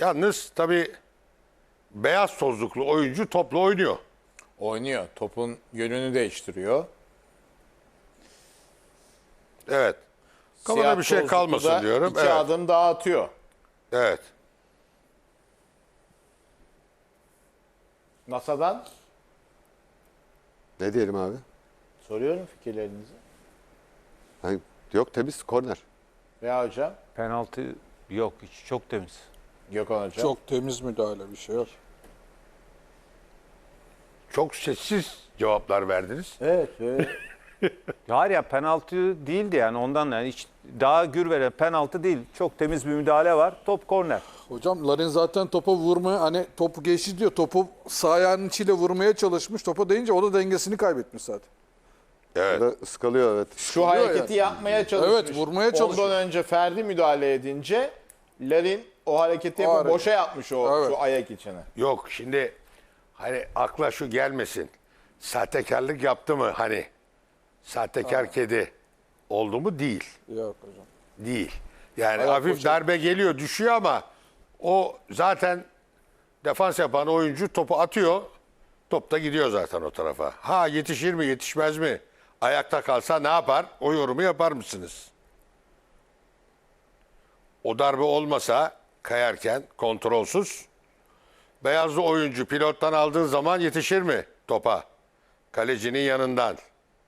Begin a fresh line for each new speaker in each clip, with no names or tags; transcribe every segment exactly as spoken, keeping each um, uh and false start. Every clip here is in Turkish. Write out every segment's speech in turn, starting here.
Yalnız tabii beyaz tozluklu oyuncu topla oynuyor.
Oynuyor. Topun yönünü değiştiriyor.
Evet. Kafada
Siyah
bir şey
tozluklu
kalmasın
da
diyorum.
İki
Evet.
adım daha atıyor.
Evet.
NASA'dan
Ne diyelim abi?
soruyorum fikirlerinizi.
Yani yok temiz korner.
Veya hocam,
Penaltı yok. Hiç çok temiz.
Gökhan hocam.
Çok temiz müdahale, bir şey yok.
Çok sessiz cevaplar verdiniz.
Evet. evet.
Hayır ya, penaltı değildi yani, ondan yani hiç daha gür veren penaltı değil. Çok temiz bir müdahale var. Top korner.
Hocam Larin zaten topa vurmaya, hani topu geçti diyor. Topu sağ ayağının içiyle vurmaya çalışmış. Topa değince o da dengesini kaybetmiş zaten.
Evet.
Burada ıskalıyor evet.
Şu hareketi
yani.
yapmaya çalışmış.
Evet, vurmaya çalışıyor.
Ondan önce Ferdi müdahale edince Larin o hareketi yapıp
hareket.
boşa yapmış o
Evet.
şu ayak içine.
Yok şimdi hani akla şu gelmesin. Sahtekarlık yaptı mı hani? Sahtekar kedi oldu mu? Değil.
Yok hocam.
Değil. Yani
Ayak
hafif
boşa-
darbe geliyor, düşüyor ama o zaten defans yapan oyuncu topu atıyor. Top da gidiyor zaten o tarafa. Ha yetişir mi, yetişmez mi? Ayakta kalsa ne yapar? O yorumu yapar mısınız? O darbe olmasa kayarken kontrolsüz beyazlı oyuncu pilottan aldığı zaman yetişir mi topa? Kalecinin yanından.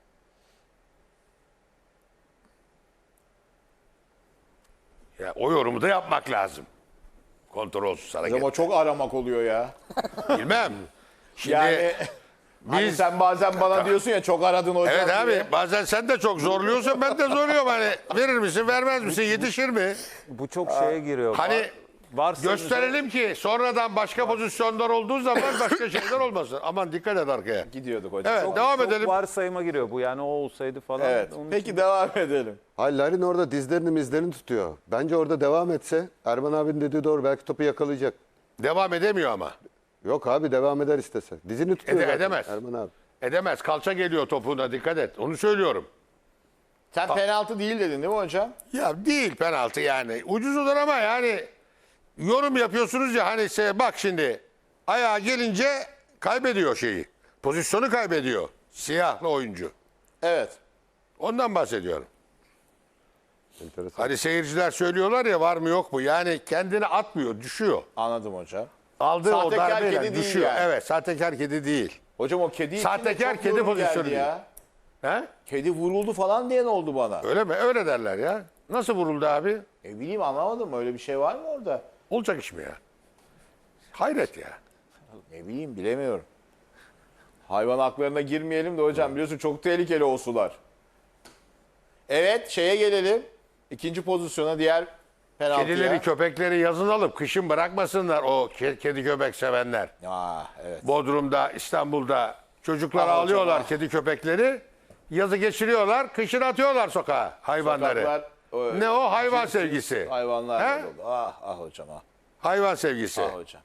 Ya o yorumu da yapmak lazım. Kontrolsüz hareket.
Ama çok aramak oluyor ya.
Bilmem. Şimdi
Yani hani
biz
sen bazen bana diyorsun ya çok aradın hocam
evet abi
diye.
bazen sen de çok zorluyorsun ben de zorluyorum hani verir misin vermez misin yetişir mi?
Bu çok şeye giriyor.
Hani
Var- varsa
gösterelim ki sonradan başka pozisyonlar olduğu zaman başka şeyler olmasın. Aman dikkat et arkaya.
Gidiyorduk hocam.
Evet
Çok-
devam
çok
edelim.
varsayıma giriyor bu, yani o olsaydı falan.
Evet.
Onun
Peki devam edelim.
Hayır Larin orada dizlerini mizlerini tutuyor. Bence orada devam etse Erman abinin dediği doğru, belki topu yakalayacak.
Devam edemiyor ama.
Yok abi, devam eder istese. Dizini tutuyor
Ede-
zaten
edemez.
Erman abi.
Edemez. Kalça geliyor topuğuna dikkat et. Onu söylüyorum.
Sen penaltı değil dedin değil mi hocam?
Ya değil penaltı yani. Ucuzdur ama yani yorum yapıyorsunuz ya hani se- bak şimdi ayağa gelince kaybediyor şeyi. Pozisyonu kaybediyor. Siyahlı oyuncu.
Evet.
Ondan bahsediyorum.
Enteresan.
Hani seyirciler söylüyorlar ya var mı yok mu? Yani kendini atmıyor, düşüyor.
Anladım hocam.
Aldığı o
Sahtekar
darbeyle
kedi değil
düşüyor.
yani.
Evet, sahtekar kedi değil.
Hocam o kedi için de
Sahtekar
çok
kedi
yorum
pozisyonu
geldi ya.
He?
Kedi vuruldu falan diyen oldu bana.
Öyle mi? Öyle derler ya. Nasıl vuruldu abi?
E bileyim anlamadım. Öyle bir şey var mı orada?
Olacak iş mi ya? Hayret ya.
Ne bileyim bilemiyorum. Hayvan haklarına girmeyelim de hocam biliyorsun çok tehlikeli o sular. Evet şeye gelelim. İkinci pozisyona diğer penaltıya.
Kedileri, köpekleri yazın alıp kışın bırakmasınlar o ke- kedi köpek sevenler.
Aa, evet.
Bodrum'da, İstanbul'da çocuklar
Ah hocam,
ağlıyorlar
ah.
kedi köpekleri. Yazı geçiriyorlar, kışın atıyorlar sokağa hayvanları.
Sokaklar, o-
Ne o? Hayvan
cins cins
sevgisi.
Hayvanlar
He?
dolu. Ah ah hocam ah.
Hayvan sevgisi.
Ah hocam.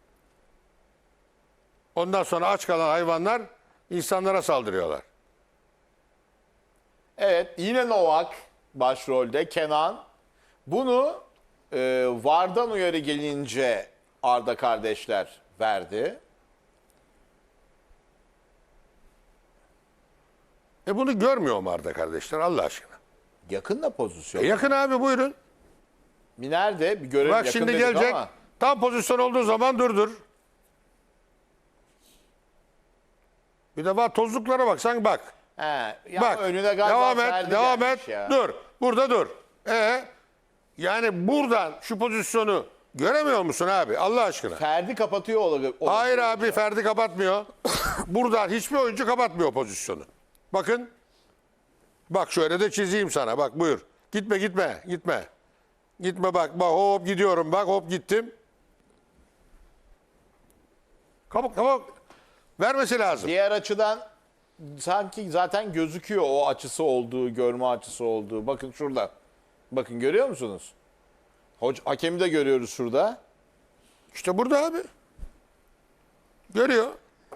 Ondan sonra aç kalan hayvanlar insanlara saldırıyorlar.
Evet yine Novak başrolde Kenan. Bunu e, VAR'dan uyarı gelince Arda kardeşler verdi.
E bunu görmüyor mu Arda kardeşler Allah aşkına?
Yakın da pozisyon.
E yakın abi buyurun.
Nerede? Bir görev
Bak
yakın
şimdi
dedik
gelecek.
ama.
Tam pozisyon olduğu zaman durdur. Bir de bak tozluklara bak sen bak.
He, ya
Bak
önüne galiba
devam et
Ferdi
devam
gelmiş
et
ya.
dur burada dur. E yani buradan şu pozisyonu göremiyor musun abi Allah aşkına?
Ferdi kapatıyor olabilir.
Hayır abi Ferdi kapatmıyor. Buradan hiçbir oyuncu kapatmıyor pozisyonu. Bakın. Bak şöyle de çizeyim sana bak buyur. Gitme gitme gitme. Gitme bak bak hop gidiyorum bak hop gittim. Kabuk kabuk. Vermesi lazım.
Diğer açıdan sanki zaten gözüküyor o açısı olduğu, görme açısı olduğu. Bakın şurada. Bakın görüyor musunuz? Hoca, hakemi de görüyoruz şurada.
İşte burada abi. Görüyor.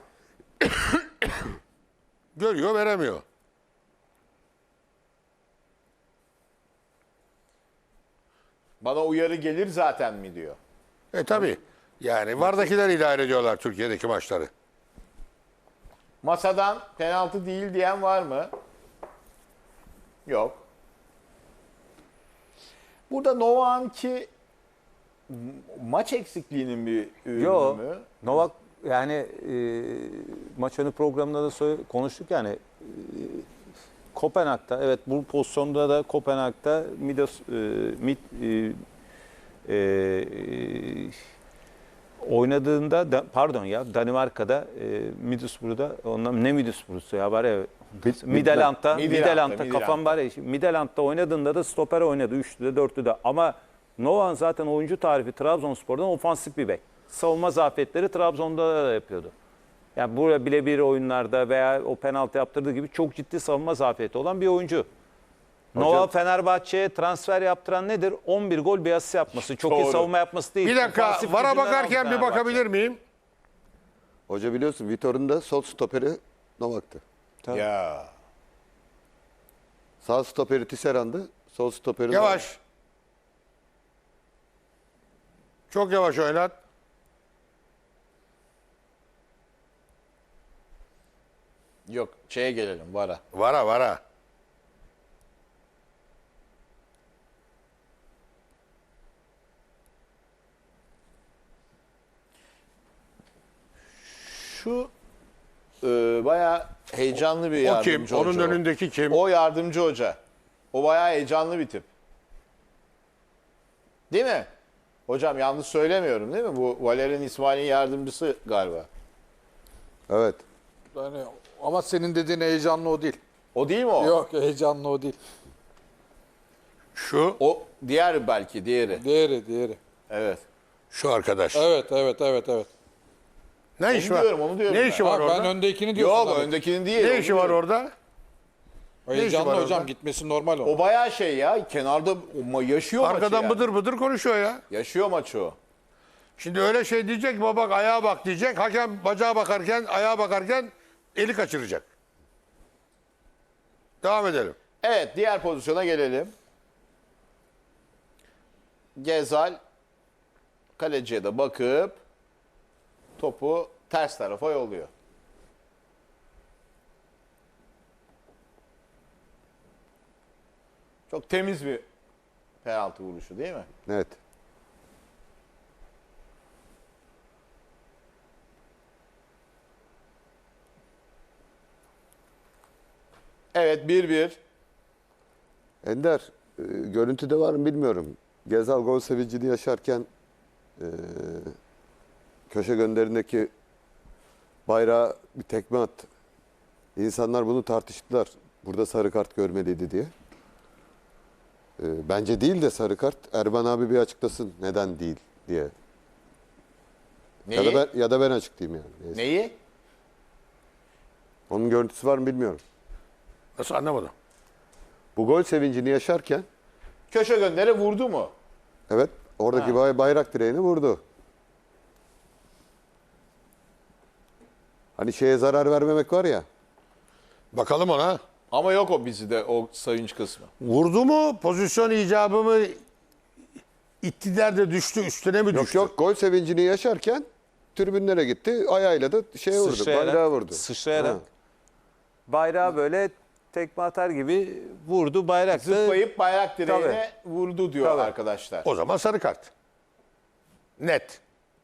Görüyor veremiyor.
Bana uyarı gelir zaten mi diyor.
E tabi. Yani vardakiler idare ediyorlar Türkiye'deki maçları.
Masadan penaltı değil diyen var mı? Yok. Burada Novak'ınki maç eksikliğinin bir ürünü
Yo,
mü?
Novak yani e, maç önü programında da söyle- konuştuk yani e, Kopenhag'da evet bu pozisyonda da Kopenhag'da Midos e, Mid, e, e, oynadığında da, pardon ya Danimarka'da e, Middlesbrough'da ondan ne Middlesbrough'su ya var ya Midland'da
Midland'da,
Midland'da kafam
Midland'da.
var ya Midland'da oynadığında da stoper oynadı üçlü de dörtlü de ama Novak'ın zaten oyuncu tarifi Trabzonspor'dan ofansif bir bek. Savunma zafiyetleri Trabzon'da da yapıyordu. Yani burada birebir oyunlarda veya o penaltı yaptırdığı gibi çok ciddi savunma zafiyeti olan bir oyuncu. Novak Fenerbahçe'ye transfer yaptıran nedir? on bir gol bir asist yapması. Çok iyi
Doğru.
savunma yapması değil.
Bir dakika
Ofansif
vara
gücünden
bakarken
aldı
bir
Fenerbahçe.
bakabilir miyim?
Hoca biliyorsun Vitor'un da sol stoperi Novak'tı.
Ya.
Sağ stoperi Tisserand'ı, sol stoperi Novak.
Yavaş. Çok yavaş oynat.
Yok şeye gelelim vara.
Vara vara.
Şu e, bayağı heyecanlı bir
O
yardımcı
kim? Onun
hoca. o.
önündeki kim?
O yardımcı hoca. O bayağı heyecanlı bir tip. Değil mi? Hocam yanlış söylemiyorum değil mi? Bu Valerian İsmail'in yardımcısı galiba.
Evet.
Yani, ama senin dediğin heyecanlı o değil.
O değil mi o?
Yok heyecanlı o değil.
Şu,
O diğer belki diğeri.
Diğeri diğeri.
Evet.
şu arkadaş.
Evet evet evet evet.
Ne iş
Onu
var?
diyorum, onu diyorum
Ne
ben.
işi var
Ha,
orada?
ben öndekini diyorsun.
Yok
tabii.
öndekinin değil.
Ne
onu
işi var
diyorum.
orada?
Heyecanlı
var
hocam
orada?
gitmesi normal o.
O bayağı şey ya. Kenarda o ma- yaşıyor
Arkadan
maçı yani.
bıdır bıdır konuşuyor ya.
Yaşıyor maçı o.
Şimdi öyle şey diyecek ki bak ayağa bak diyecek. Hakem bacağa bakarken, ayağa bakarken eli kaçıracak. Devam edelim.
Evet diğer pozisyona gelelim. Gezal kaleciye de bakıp topu ters tarafa yolluyor. Çok temiz bir penaltı vuruşu değil mi?
Evet.
Evet bir bir.
Ender, e, görüntüde var mı bilmiyorum. Gezal gol sevincini yaşarken e, köşe gönderindeki bayrağı bir tekme attı. İnsanlar bunu tartıştılar. Burada sarı kart görmeliydi diye. E, bence değil de sarı kart. Erban abi bir açıklasın neden değil diye.
Neyi?
Ya da ben, ya da ben açıklayayım yani. Neyse.
Neyi?
Onun görüntüsü var mı bilmiyorum.
Nasıl anlamadım.
Bu gol sevincini yaşarken
Köşe göndere vurdu mu?
evet oradaki bay- bayrak direğini vurdu. Hani şeye zarar vermemek var ya.
Bakalım ona.
Ama yok o bizde o sayınç kısmı.
Vurdu mu? Pozisyon icabı mı? İttiler de düştü, üstüne mi
Yok
düştü?
yok gol sevincini yaşarken tribünlere gitti. Ayağıyla da şeye vurdu. Bayrağı vurdu.
Sıçrayarak.
Ha.
Bayrağı böyle tekme atar gibi vurdu bayrak da
Zıplayıp bayrak direğine vurdu diyor
Tabii.
arkadaşlar.
O zaman sarı kart. Net.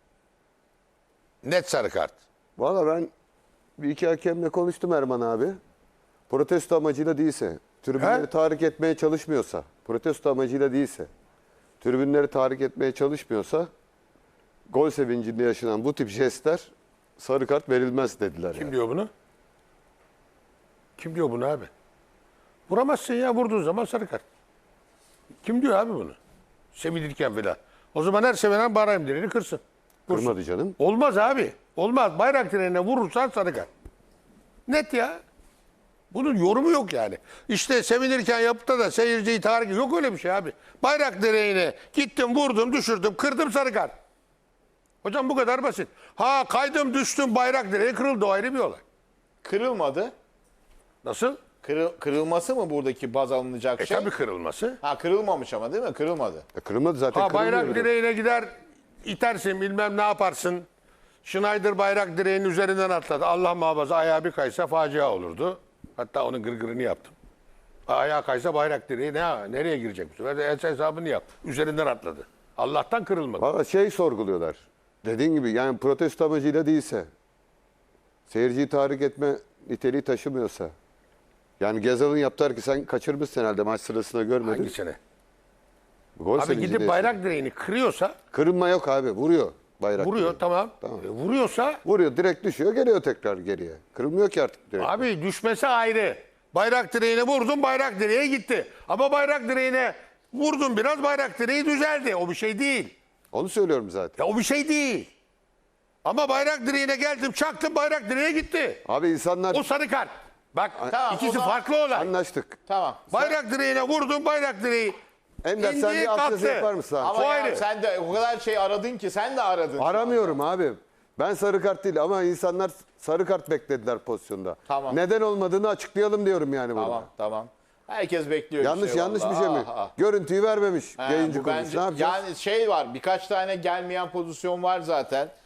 Net sarı kart.
Valla ben bir iki hakemle konuştum Erman abi. Protesto amacıyla değilse, tribünleri
He?
tahrik etmeye çalışmıyorsa, protesto amacıyla değilse, tribünleri tahrik etmeye çalışmıyorsa, gol sevincinde yaşanan bu tip jestler sarı kart verilmez dediler.
Kim
yani.
diyor bunu? Kim diyor bunu abi? Vuramazsın ya, vurduğun zaman sarı kart. Kim diyor abi bunu? Sevinirken filan. O zaman her sevinen bayrak direğini kırsın. Vursun.
Kırmadı canım.
Olmaz abi. Olmaz. Bayrak direğine vurursan sarı kart. Net ya. Bunun yorumu yok yani. İşte sevinirken yapıp da seyirciyi tahrik yok öyle bir şey abi. Bayrak direğine gittim, vurdum, düşürdüm, kırdım sarı kart. Hocam bu kadar basit. Ha kaydım, düştüm, bayrak direği kırıldı, o ayrı bir olay.
Kırılmadı.
Nasıl?
Kırıl, kırılması mı buradaki baz alınacak
E
şey?
tabii kırılması.
Ha kırılmamış ama değil mi? Kırılmadı.
E, kırılmadı zaten
Ha
kırılmıyor
bayrak
bile.
direğine gider, itersin bilmem ne yaparsın. Schneider bayrak direğinin üzerinden atladı. Allah muhafaza ayağı bir kaysa facia olurdu. Hatta onun gırgırını yaptım. Ayağı kaysa bayrak direği ne, nereye girecek bu sefer? De hesabını yap. Üzerinden atladı. Allah'tan kırılmadı.
Valla şey sorguluyorlar. Dediğin gibi yani protesto amacıyla değilse, seyirciyi tahrik etme niteliği taşımıyorsa. Yani Gezal'ın yaptığı ki sen kaçırmışsın herhalde maç sırasında görmedin.
Hangisine?
Gol
Abi
sevinci
gidip
de
bayrak
yaşadı.
direğini kırıyorsa,
Kırılma yok abi, vuruyor bayrak.
vuruyor
direği.
tamam.
Tamam.
E, vuruyorsa
Vuruyor, direkt düşüyor, geliyor tekrar geriye. Kırılmıyor ki artık direkt.
abi düşmesi ayrı. Bayrak direğine vurdun, bayrak direğe gitti. Ama bayrak direğine vurdun biraz, bayrak direği düzeldi. O bir şey değil.
Onu söylüyorum zaten.
Ya o bir şey değil. Ama bayrak direğine geldim, çaktım, bayrak direğe gitti.
Abi insanlar
O sarı kart. Bak
Tamam,
ikisi
o zaman
farklı olay.
anlaştık.
Tamam.
Bayrak direğine vurdun, bayrak direği
Ender sen
indi,
bir altyazı
kalktı.
yapar mısın abi?
Ama
O
ya
ayrı.
sen de o kadar şey aradın ki sen de aradın.
Aramıyorum abi. Ben sarı kart değil ama insanlar sarı kart beklediler pozisyonda.
Tamam.
Neden olmadığını açıklayalım diyorum yani burada.
Tamam tamam. Herkes bekliyor.
Yanlış
şey
yanlış bir
vallahi.
şey mi?
Ah, ah.
Görüntüyü vermemiş
He,
yayıncı
bu
kuruluş.
bence-
Ne yapacağız?
Yani şey var, birkaç tane gelmeyen pozisyon var zaten.